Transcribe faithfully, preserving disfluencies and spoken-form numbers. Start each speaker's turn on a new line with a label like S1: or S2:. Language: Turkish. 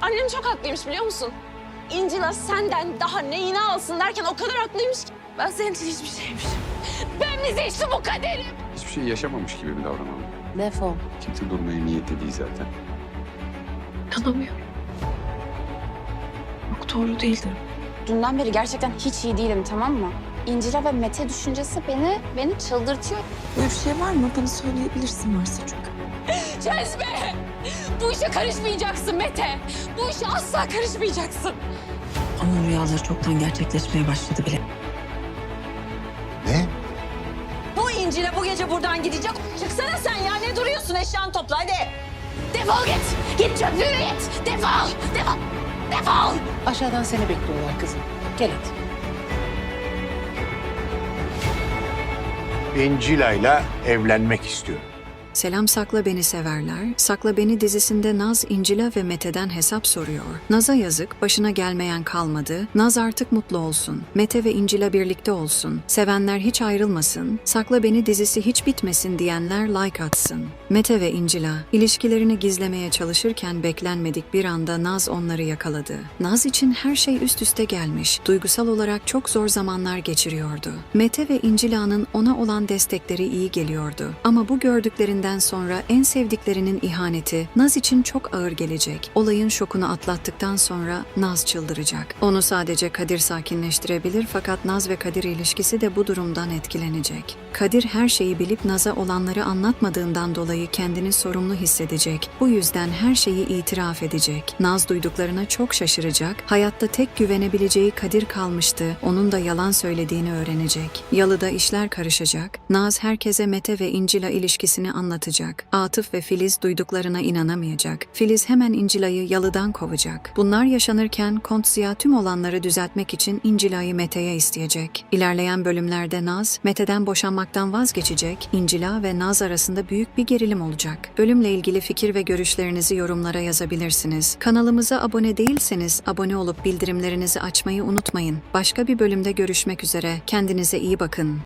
S1: Annem çok haklıymış biliyor musun? İncila senden daha neyini alsın derken o kadar haklıymış ki. Ben senin için hiçbir şeymişim. Ben mi seçtim bu kaderi?
S2: Hiçbir şey yaşamamış gibi mi davranalım?
S3: Defol.
S2: Kimse durmaya niyetli değil zaten.
S1: İnanamıyorum. Yok doğru değildir.
S3: Dünden beri gerçekten hiç iyi değilim, tamam mı? İncila ve Mete düşüncesi beni beni çıldırtıyor.
S4: Böyle bir şey var mı? Bana söyleyebilirsin varsa çünkü.
S1: Cezbe! Bu işe karışmayacaksın Mete. Bu işe asla karışmayacaksın.
S4: Onun rüyaları çoktan gerçekleşmeye başladı bile.
S5: Ne?
S1: Bu İncil'e bu gece buradan gidecek. Çıksana sen ya, ne duruyorsun? Eşyanı topla hadi. Defol git. Git çöplüğüne git. Defol. Defol. Defol.
S6: Aşağıdan seni bekliyorlar kızım. Gel hadi.
S5: İncila'yla evlenmek istiyorum.
S7: Selam Sakla Beni severler. Sakla Beni dizisinde Naz, İncila ve Mete'den hesap soruyor. Naz'a yazık, başına gelmeyen kalmadı. Naz artık mutlu olsun. Mete ve İncila birlikte olsun. Sevenler hiç ayrılmasın. Sakla Beni dizisi hiç bitmesin diyenler like atsın. Mete ve İncila ilişkilerini gizlemeye çalışırken beklenmedik bir anda Naz onları yakaladı. Naz için her şey üst üste gelmiş. Duygusal olarak çok zor zamanlar geçiriyordu. Mete ve İncila'nın ona olan destekleri iyi geliyordu. Ama bu gördüklerinden sonra en sevdiklerinin ihaneti Naz için çok ağır gelecek. Olayın şokunu atlattıktan sonra Naz çıldıracak. Onu sadece Kadir sakinleştirebilir fakat Naz ve Kadir ilişkisi de bu durumdan etkilenecek. Kadir her şeyi bilip Naz'a olanları anlatmadığından dolayı kendini sorumlu hissedecek. Bu yüzden her şeyi itiraf edecek. Naz duyduklarına çok şaşıracak. Hayatta tek güvenebileceği Kadir kalmıştı. Onun da yalan söylediğini öğrenecek. Yalıda işler karışacak. Naz herkese Mete ve İncila ilişkisini anlatacak. Atıf ve Filiz duyduklarına inanamayacak. Filiz hemen İncila'yı yalıdan kovacak. Bunlar yaşanırken Kont Ziya tüm olanları düzeltmek için İncila'yı Mete'ye isteyecek. İlerleyen bölümlerde Naz, Mete'den boşanmaktan vazgeçecek. İncila ve Naz arasında büyük bir gerilim olacak. Bölümle ilgili fikir ve görüşlerinizi yorumlara yazabilirsiniz. Kanalımıza abone değilseniz abone olup bildirimlerinizi açmayı unutmayın. Başka bir bölümde görüşmek üzere. Kendinize iyi bakın.